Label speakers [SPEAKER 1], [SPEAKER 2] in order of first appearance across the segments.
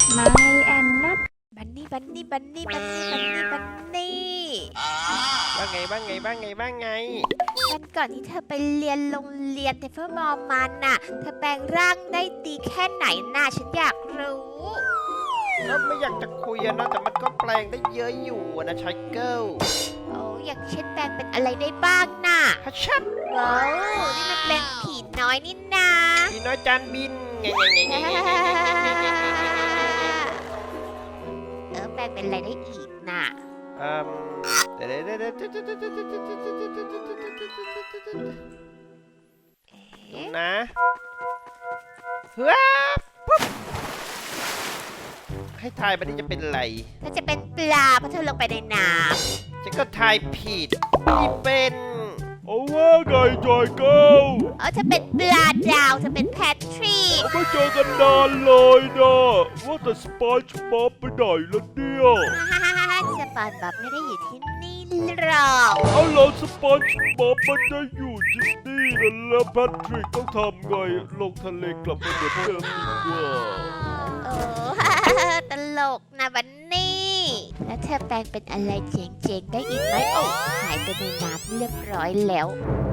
[SPEAKER 1] My and not
[SPEAKER 2] บันนี่บันนี่บันนี่บันนี่บันนี่บันนี่
[SPEAKER 3] ว่าไงบ้างไงบ้างไงบ้างไง
[SPEAKER 2] วันก่อนที่เธอไปเรียนโรงเรียนเทฟเฟอร์มอลมันน่ะเธอแปลงร่างได้ดีแค่ไหนน่ะฉันอยากรู้
[SPEAKER 3] ก็ไม่อยากจะคุยนะแต่มันก็แปลงได้เยอะอยู่นะชายเกิล
[SPEAKER 2] โอ้อย่างเช่นแปลงเป็นอะไรได้บ้างน่ะ
[SPEAKER 3] ฮัชชับ
[SPEAKER 2] ว้าวนี่มันเป็นผีน้อยนี่นา
[SPEAKER 3] ผีน้อยจานบินไง
[SPEAKER 2] แปลงเป็นอะไรได้อีกน่ะ
[SPEAKER 3] เดี๋ยวนะเฮ้ยให้ทายบันนี้จะเป็นอะไร
[SPEAKER 2] เธอจะเป็นปลาเพราะเธอลงไปในน้
[SPEAKER 3] ำฉันก็ทายผิดนี่เป็น
[SPEAKER 4] เอาว่าไงจอยเกิล
[SPEAKER 2] เธอเป็นปลาดาวเธอเป็นแพทริก
[SPEAKER 4] ไม่เจอกันนานเลยนะว่าแต่สปอนจ์บ๊อบไปไหนแล้วเนี่ย
[SPEAKER 2] สปอนจ์บ๊อบไม่ได้อยู่ที่นี่หรอก
[SPEAKER 4] เอาแล้วสปอนจ์บ๊อบมันได้อยู่ที่นี่แล้วแพทริกต้องทำไงลงทะเลกลับไปเหมือนเดิมดีกว่า
[SPEAKER 2] โอ้ตลกนะบันนี่แล้วเธอแปลงเป็นอะไรเจ๋งๆได้อีกไหมโอ้หายไปในน้ำเรียบร้อยแล้ว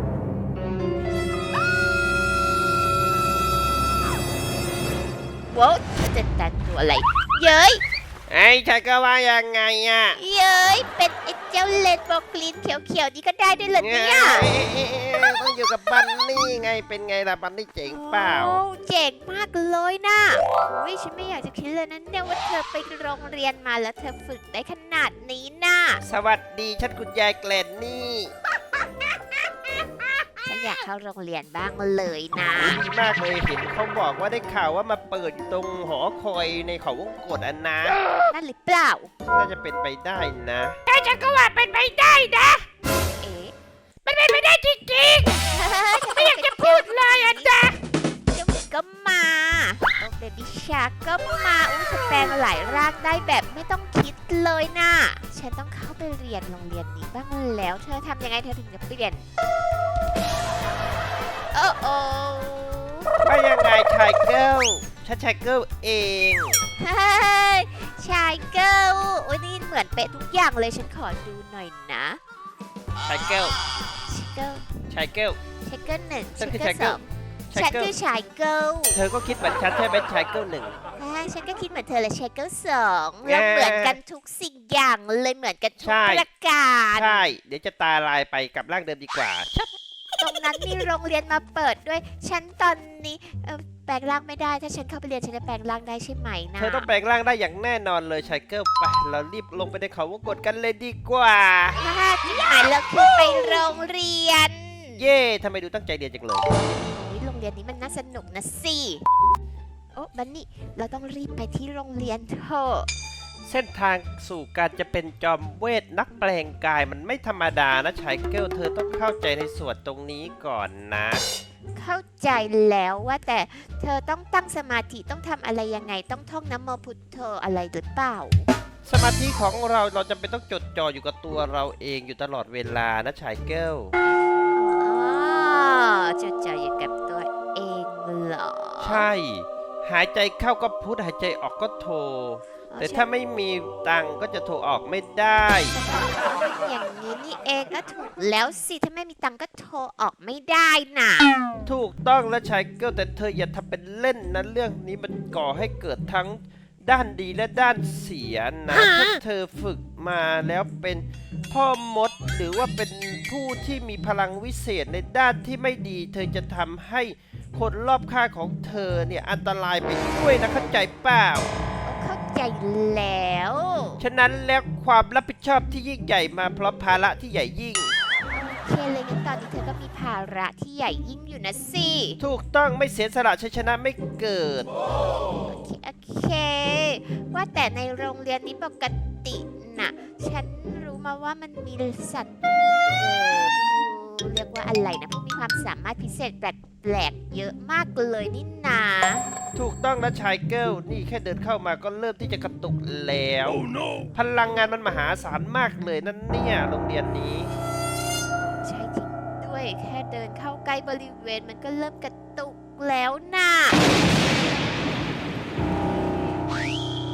[SPEAKER 2] ว้าวจะแต่งตัวอะไรเย้ย
[SPEAKER 3] ไอ้ชายก็ว่ายังไงอ่ะ
[SPEAKER 2] เย้ยเป็นไอ้เจ้าเลนโบว์กรีนเขียวๆนี่ก็ได้ด้วยเหรอเนี่ย
[SPEAKER 3] ต้องอยู่กับบันนี่ไงเป็นไงล่ะบันนี่เจ๋งเปล่า
[SPEAKER 2] โอ้เจ๋งมากเลยนะอุ้ยฉันไม่อยากจะคิดเลยนะเนี่ยว่าเธอไปโรงเรียนมาแล้วเธอฝึกได้ขนาดนี้นะ
[SPEAKER 3] สวัสดีฉันคุณยายแกลนนี่
[SPEAKER 2] ฉันอยากเข้าโรงเรียนบ้างเลยนะ
[SPEAKER 3] ดีมากเลยเห็นเขาบอกว่าได้ข่าวว่ามาเปิดอยู่ตรงหอคอยในเขาวงกตอันนะ
[SPEAKER 2] นั่นหรือเปล่า
[SPEAKER 3] น่าจะเป็นไปได้นะ
[SPEAKER 2] แต่ฉันก็ว่าเป็นไปได้นะเอ๊ะมันเป็นไปได้จริงๆไม่อยากจะพูดเลยอ่ะนะเจ้าหมีก็มาโอ้เบบี้ชาร์กก็มาอุ้ยแปลงหลายร่างได้แบบไม่ต้องคิดเลยนะฉันต้องเข้าไปเรียนโรงเรียนนี้บ้างแล้วเธอทำยังไงเธอถึงจะเปลี่ยนโอ้โอ้
[SPEAKER 3] ว่ายังไงชายเกิลฉันชายเกิลเอง
[SPEAKER 2] เฮ้ยชายเกิลโอ้ยนี่เหมือนเป๊ะทุกอย่างเลยฉันขอดูหน่อยนะ
[SPEAKER 3] ชายเกิล
[SPEAKER 2] ชายเกิล
[SPEAKER 3] ชายเกิล
[SPEAKER 2] ชายเกิลหนึ่งชายเกิลสองฉันคือชายเกิล
[SPEAKER 3] เธอก็คิดเหมือนฉันใช่ไหมชายเกิลหนึ่ง
[SPEAKER 2] ฉันก็คิดเหมือนเธอเลยชายเกิลสองเราเหมือนกันทุกสิ่งอย่างเลยเหมือนกันทุกประการ
[SPEAKER 3] ใช่เดี๋ยวจะตาลายไปกับร่างเดิมดีกว่า
[SPEAKER 2] ตรงนั้นมีโรงเรียนมาเปิดด้วยฉันตอนนี้แปลงร่างไม่ได้ถ้าฉันเข้าไปเรียนฉันจะแปลงร่างได้ใช่ไหมนะ
[SPEAKER 3] เธอต้องแปลงร่างได้อย่างแน่นอนเลยชายเกิลไปเรารีบลงไปในเขาวงกตกันเลยดีกว่า
[SPEAKER 2] ที่หมายเราคือไปโรงเรียน
[SPEAKER 3] เย่ทำไมดูตั้งใจเรียนจังเลย
[SPEAKER 2] โรงเรียนนี้มันน่าสนุกนะสิโอ้บันนี่เราต้องรีบไปที่โรงเรียนเถอะ
[SPEAKER 3] เส้นทางสู่การจะเป็นจอมเวทนักแปลงกายมันไม่ธรรมดานะชายเกิลเธอต้องเข้าใจในส่วนตรงนี้ก่อนนะ
[SPEAKER 2] เข้าใจแล้วว่าแต่เธอต้องตั้งสมาธิต้องทำอะไรยังไงต้องท่องนะโมพุทโธอะไรหรือเปล่า
[SPEAKER 3] สมาธิของเราจำเป็นต้องจดจ่ออยู่กับตัวเราเองอยู่ตลอดเวลานะชายเกิล
[SPEAKER 2] จดจ่ออยู่กับตัวเองเหรอ
[SPEAKER 3] ใช่หายใจเข้าก็พุทหายใจออกก็โทแต่ถ้าไม่มีตังก็จะโทรออกไม่ได้
[SPEAKER 2] อย่างนี้นี่เองก็ถูกแล้วสิถ้าไม่มีตังก็โทรออกไม่ได้น่ะ
[SPEAKER 3] ถูกต้องแล้วชายเกิลแต่เธออย่าทำเป็นเล่นนะเรื่องนี้มันก่อให้เกิดทั้งด้านดีและด้านเสียนะถ้าเธอฝึกมาแล้วเป็นพ่อมดหรือว่าเป็นผู้ที่มีพลังวิเศษในด้านที่ไม่ดีเธอจะทำให้คนรอบข้างของเธอเนี่ยอันตรายไปด้วยนะเข้าใจเปล่า
[SPEAKER 2] เข้าใจแล้ว
[SPEAKER 3] ฉะนั้นแล้วความรับผิดชอบที่ยิ่งใหญ่มาพร้อมภาระที่ใหญ่ยิ่ง
[SPEAKER 2] โอเคเลยงั้นตอนนี้เธอก็มีภาระที่ใหญ่ยิ่งอยู่นะสิ
[SPEAKER 3] ถูกต้องไม่เสียสละชัยชนะไม่เกิด
[SPEAKER 2] โอเคว่าแต่ในโรงเรียนนี้ปกติน่ะฉันรู้มาว่ามันมีสัตว์เรียกว่าอะไรนะผู้มีความสามารถพิเศษแปลกๆเยอะมากเลยนี่นา
[SPEAKER 3] ถูกต้องนะชายเกิลนี่แค่เดินเข้ามาก็เริ่มที่จะกระตุกแล้ว
[SPEAKER 4] oh, no.
[SPEAKER 3] พลังงานมันมหาศาลมากเลยนั่นเนี่ยโรงเรียนนี้
[SPEAKER 2] ใช่จริงด้วยแค่เดินเข้าใกล้บริเวณมันก็เริ่มกระตุกแล้วน่ะ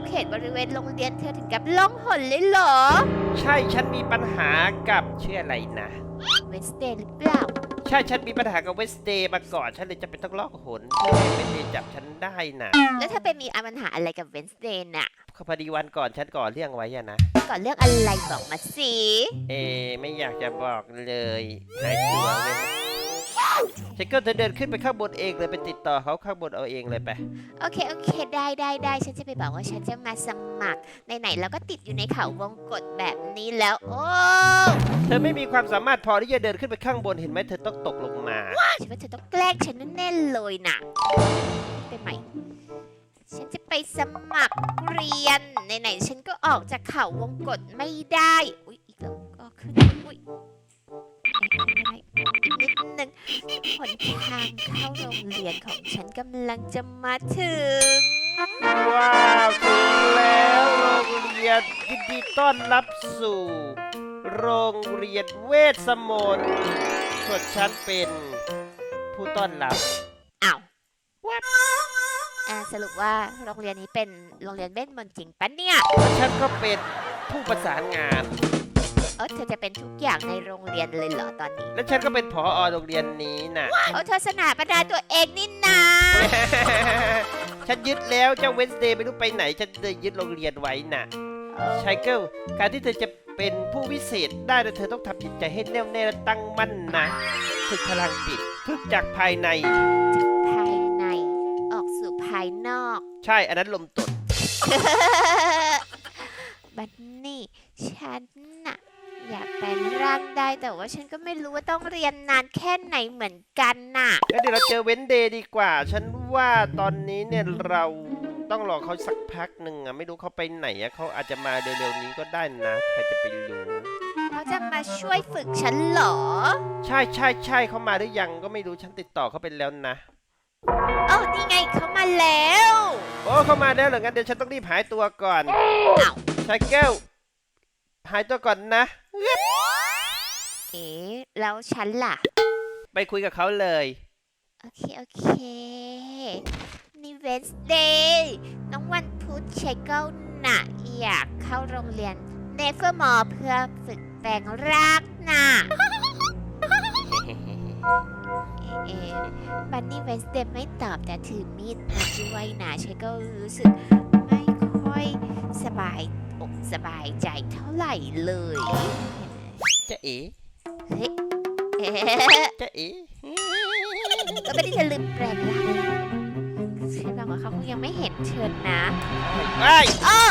[SPEAKER 2] เขตบริเวณโรงเรียนเธอถึงกับล่องหนเลยเหรอ
[SPEAKER 3] ใช่ฉันมีปัญหากับชื่ออะไรนะ
[SPEAKER 2] เวนสเดย์หรือเปล่า
[SPEAKER 3] ใช่ฉันมีปัญหากับเวสเดย์มาก่อนฉันเลยจะเป็นต้องลอกหนเพื่อให้เวสเดย์จับฉันได้นะ
[SPEAKER 2] แล้วเธอไปมีปัญหาอะไรกับเวนสเดย์น่ะ
[SPEAKER 3] พอดีวันก่อนฉันก่อเรื่องไว้อะนะ
[SPEAKER 2] ก่อนเรื่องอะไรบอกมาสิ
[SPEAKER 3] ไม่อยากจะบอกเลยหายตัวเว้ยฉันก็จะเดินขึ้นไปข้างบนเองเลยไปติดต่อเขาข้างบนเอาเองเลยไป
[SPEAKER 2] โอเคได้ฉันจะไปบอกว่าฉันจะมาสมัครไหนๆแล้วก็ติดอยู่ในเขาวงกตแบบนี้แล้ว โอ้
[SPEAKER 3] เธอไม่มีความสามารถพอที่จะเดินขึ้นไปข้างบนเห็นไหมเธอต้องตกลงมา
[SPEAKER 2] ฉันว่าเธอต้องแกล้งฉันแน่ๆเลยน่ะไปใหม่ ฉันจะไปสมัครเรียนไหนๆฉันก็ออกจากเขาวงกตไม่ได้อุ๊ยอีกแล้วก็ขึ้นอุ๊ยอะไรอีกนิดนึงหนทางเข้าโรงเรียนของฉันกำลังจะมาถึง
[SPEAKER 3] ว้าวถึงแล้วโรงเรียนยินดีต้อนรับสู่ โรงเรียนเวทมนต์ส่วนฉันเป็นผู้ต้อนรับ
[SPEAKER 2] อ้าวสรุปว่าโรงเรียนนี้เป็นโรงเรียนเวทมนต์จริงปะเนี่ย
[SPEAKER 3] และฉันก็เป็นผู้ประสานงาน
[SPEAKER 2] เธอจะเป็นทุกอย่างในโรงเรียนเลยเหรอตอนนี้
[SPEAKER 3] และฉันก็เป็นผอโรงเรียนนี้น่ะ
[SPEAKER 2] เธอสนาประดาตัวเองนี่นา
[SPEAKER 3] ฉันยึดแล้วเจ้าเวนส์เดย์ไม่รู้ไปไหน ฉันเลยยึดโรงเรียนไว้น่ะไชเกิลการที่เธอจะเป็นผู้วิเศษได้เธอต้องทำจิตใจให้แน่วแน่และตั้งมั่นนะฝึกพลังจิตฝึกจากภายใน
[SPEAKER 2] ภายในออกสู่ภายนอก
[SPEAKER 3] ใช่อันนั้นลมตด
[SPEAKER 2] บัดนี่ฉันน่ะอยากแปลงร่างได้แต่ว่าฉันก็ไม่รู้ว่าต้องเรียนนานแค่ไหนเหมือนกันน่ะ
[SPEAKER 3] งั้นเดี๋ยวเราเจอเวนเดย์ดีกว่า ฉันว่าตอนนี้เนี่ยเราต้องรอเขาสักพักหนึ่งอะไม่รู้เขาไปไหนอะเขาอาจจะมาเร็วๆนี้ก็ได้นะใครจะไปรู้
[SPEAKER 2] เขาจะมาช่วยฝึกฉันเหรอ
[SPEAKER 3] ใช่เขามาหรือยังก็ไม่รู้ฉันติดต่อเขาไปแล้วนะ
[SPEAKER 2] นี่ไงเขามาแล้ว
[SPEAKER 3] โอ้เขามาแล้วเหรองั้นเดี๋ยวฉันต้องรีบหายตัวก่อน
[SPEAKER 2] อ้าว
[SPEAKER 3] ไชเกิลหายตัวก่อนนะ
[SPEAKER 2] แล้วฉันล่ะ
[SPEAKER 3] ไปคุยกับเขาเลย
[SPEAKER 2] โอเค นี่เวนส์เดย์น้องวันพุธชัยเก้าน่ะอยากเข้าโรงเรียนเนเฟอร์มอเพื่อฝึกแปลงร่างน่ะ บันนี่เวนส์เดย์ไม่ตอบแต่ถือมีดมาด้วยนะชัยก็รู้สึกไม่ค่อยสบายอกสบายใจเท่าไหร่เลย
[SPEAKER 3] จะเอ๋
[SPEAKER 2] เฮ้ย
[SPEAKER 3] จะเอ๋
[SPEAKER 2] ก็ไม่ได้จะลืมแปลงร่างฉันบอกว่าเขาคงยังไม่เห็นเชิญนะ
[SPEAKER 3] ไอ้ย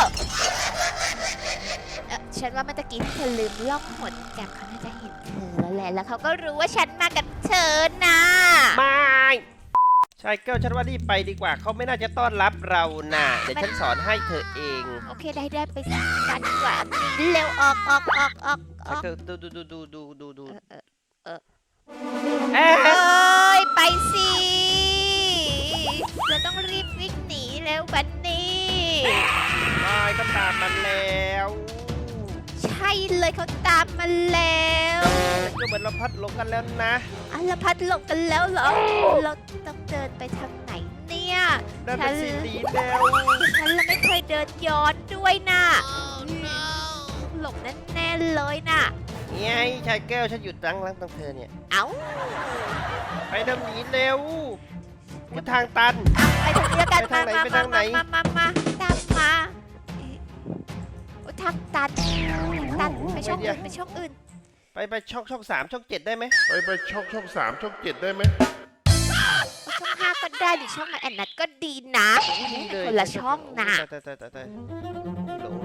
[SPEAKER 2] ฉันว่าเมื่อกี้ที่เธอลืมล่องหนกลับเขาน่าจะเห็นเธอแล้วแหละแล้วเขาก็รู้ว่าฉันมากับเธอนะ
[SPEAKER 3] ไม่ไชเกิลฉันว่ารีบไปดีกว่าเขาไม่น่าจะต้อนรับเราน่ะเดี๋ยวฉันสอนให้เธอเอง
[SPEAKER 2] โอเคได้ไปสักกันดีกว่าเร็วออก
[SPEAKER 3] ไชเกิลดู
[SPEAKER 2] เออ
[SPEAKER 3] เอ๊ะ
[SPEAKER 2] เอ้ยไปสิเราต้องรีบวิ่งหนีแล้วบันนี่
[SPEAKER 3] ไม่ก็ตามมันแล้ว
[SPEAKER 2] ใช่เลยเขาตามมาแล้ว
[SPEAKER 3] ก็เหมือนเราพัดหลงกันแล้วนะ
[SPEAKER 2] ละพัดหลบกันแล้วเหรอเราต้องเดินไปทางไหนเนี่ย
[SPEAKER 3] นั่นเป็นสีดีแล้ว
[SPEAKER 2] ฉันละไม่เคยเดินย้อนด้วยนะหลงแน่ๆเลยนะ
[SPEAKER 3] ไงไชเกิลฉันอยู่ตั้งตรงเธอเนี่ย
[SPEAKER 2] เอ้า
[SPEAKER 3] ไปเดินหนีเร็วคือทางตัน
[SPEAKER 2] ไปทางนี้แล้วกัน
[SPEAKER 3] ไปทางไหนไปทางไหน
[SPEAKER 2] มาตามมาโอ้ทางตันไปช่องอื่น
[SPEAKER 3] ไปช่อง3ช่อง7ได้ไหม
[SPEAKER 4] ไปช่อง3ช่อง7ได้ไหม
[SPEAKER 2] ช่อง5ก็ได้หรือช่องอันนั้นก็ดีนะ
[SPEAKER 3] ดีเลย
[SPEAKER 2] คนละช่องนะ
[SPEAKER 3] ตายลง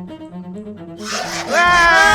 [SPEAKER 3] ว้าย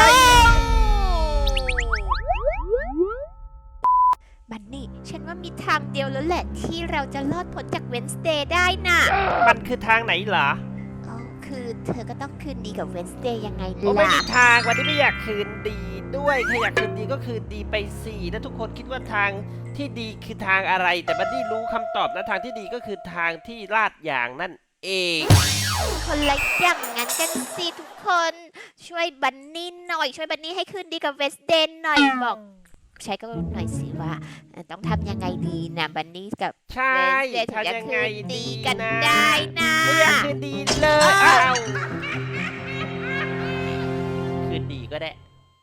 [SPEAKER 2] บันนี่ฉันว่ามีทางเดียวแล้วแหละที่เราจะรอดพ้นจากเวนสเดย์ได้น่ะ
[SPEAKER 3] มันคือทางไหนเหรอ
[SPEAKER 2] คือเธอก็ต้องคืนดีกับเวนสเดย์ยังไง
[SPEAKER 3] โอ้ไม่
[SPEAKER 2] ล่ะ
[SPEAKER 3] มีทางวันนี้ไม่อยากคืนดีด้วยใครอยากคืนดีก็คืนดีไปสิแล้วทุกคนคิดว่าทางที่ดีคือทางอะไร แต่บัดดี้รู้คำตอบนะทางที่ดีก็คือทางที่ลาดยางนั่นเอง
[SPEAKER 2] คนละอย่างงั้นกันสิทุกคนช่วยบันนี่หน่อยช่วยบันนี่ให้คืนดีกับเวนสเดย์หน่อยบอกใช้ก็หน่อยสิว่าต้องทำยังไงดีนะบันนี่กับ
[SPEAKER 3] ใช่
[SPEAKER 2] เวนสเดย์ถึงจะ
[SPEAKER 3] ทำยัง
[SPEAKER 2] คื
[SPEAKER 3] ไง
[SPEAKER 2] น
[SPEAKER 3] ดี
[SPEAKER 2] ดีกัน
[SPEAKER 3] นะ
[SPEAKER 2] ได้นะ
[SPEAKER 3] ไม่อยากคืนดีเลยอ้าวนดีก็ได้